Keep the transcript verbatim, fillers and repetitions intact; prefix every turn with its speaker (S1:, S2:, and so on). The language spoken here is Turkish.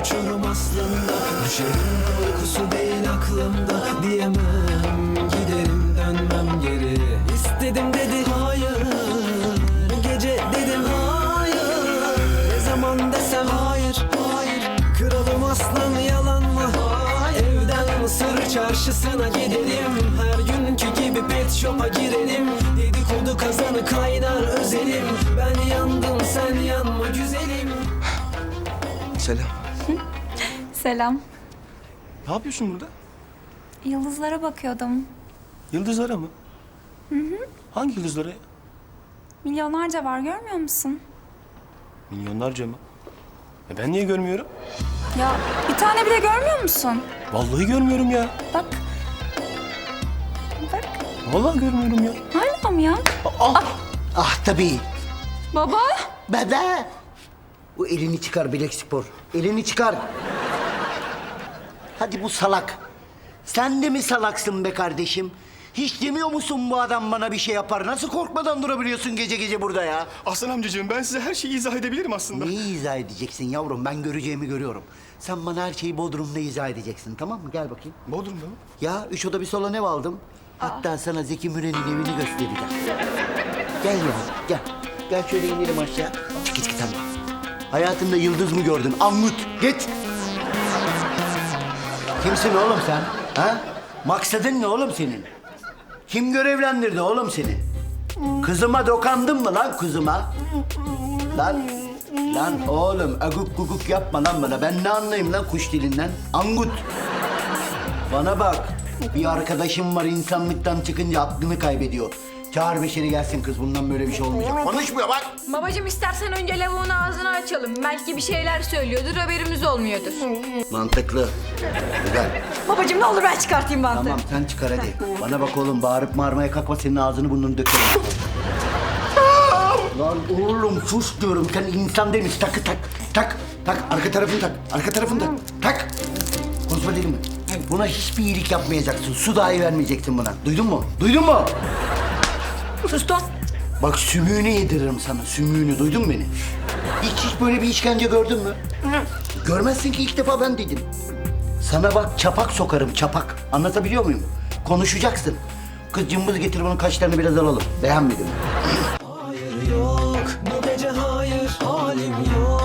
S1: uçurum aslında. Düşerim korkusu değil aklımda. Diyemem giderim dönmem geri. İstedim dedi hayır, gece dedim hayır. Ne zaman desem hayır, hayır. Kralım aslan yalan mı? Evden Mısır çarşısına gidelim. Her günkü gibi pet shop'a girelim. Dedikodu kazanı kaynar özelim. Ben yandım sen yanma güzelim.
S2: Selam.
S3: Selam.
S2: Ne yapıyorsun burada?
S3: Yıldızlara bakıyordum.
S2: Yıldızlara mı? Hı hı. Hangi yıldızlara?
S3: Milyonlarca var, görmüyor musun?
S2: Milyonlarca mı? E ben niye görmüyorum?
S3: Ya bir tane bile görmüyor musun?
S2: Vallahi görmüyorum ya.
S3: Bak. Bak.
S2: Vallahi görmüyorum ya.
S3: Hala mı ya?
S2: Ah!
S4: Ah tabii.
S3: Baba.
S4: Bebe. Bu elini çıkar Bilek Spor. Elini çıkar. Hadi bu salak. Sen de mi salaksın be kardeşim? Hiç demiyor musun bu adam bana bir şey yapar? Nasıl korkmadan durabiliyorsun gece gece burada ya?
S2: Aslan amcacığım ben size her şeyi izah edebilirim aslında.
S4: Neyi izah edeceksin yavrum? Ben göreceğimi görüyorum. Sen bana her şeyi Bodrum'da izah edeceksin, tamam mı? Gel bakayım.
S2: Bodrum'da mı?
S4: Ya üç oda bir salon ev aldım. Hatta sana Zeki Müren'in evini göstereceğim. Gel ya, gel. Gel şöyle inelim aşağı. Çık çık sen de. Hayatında yıldız mı gördün? Angut, git. Kimsin oğlum sen? Ha? Maksadın ne oğlum senin? Kim görevlendirdi oğlum seni? Kızıma dokandın mı lan kızıma? Lan, lan oğlum aguk guguk yapma lan bana. Ben ne anlayayım lan kuş dilinden? Angut. Bana bak. Bir arkadaşım var insanlıktan çıkınca aklını kaybediyor. Çağır Beşer'i gelsin kız. Bundan böyle bir şey olmayacak. Konuşmuyor bak.
S5: Babacığım istersen önce lavuğun ağzını açalım. Belki bir şeyler söylüyordur, haberimiz olmuyordur.
S4: Mantıklı. Güzel.
S5: Babacığım ne olur ben çıkartayım bantı.
S4: Tamam sen çıkar hadi. Bana bak oğlum bağırıp bağırmaya kalkma. Senin ağzını burnunu dökerim. Lan oğlum sus diyorum. Sen insan değil misin? Takı tak. Tak. Tak. Arka tarafını tak. Arka tarafını tak. Tak. Konuşma dedim mi? Buna hiçbir iyilik yapmayacaksın. Su dahi vermeyeceksin buna. Duydun mu? Duydun mu?
S5: Sustum.
S4: Bak sümüğünü yediririm sana. Sümüğünü. Duydun mu beni? Hiç hiç böyle bir işkence gördün mü? Görmezsin ki ilk defa ben dedim. Sana bak çapak sokarım çapak. Anlatabiliyor muyum? Konuşacaksın. Kız cımbız getir bunun kaşlarını biraz alalım. Beğenmedim.
S1: Hayır yok bu gece hayır halim yok.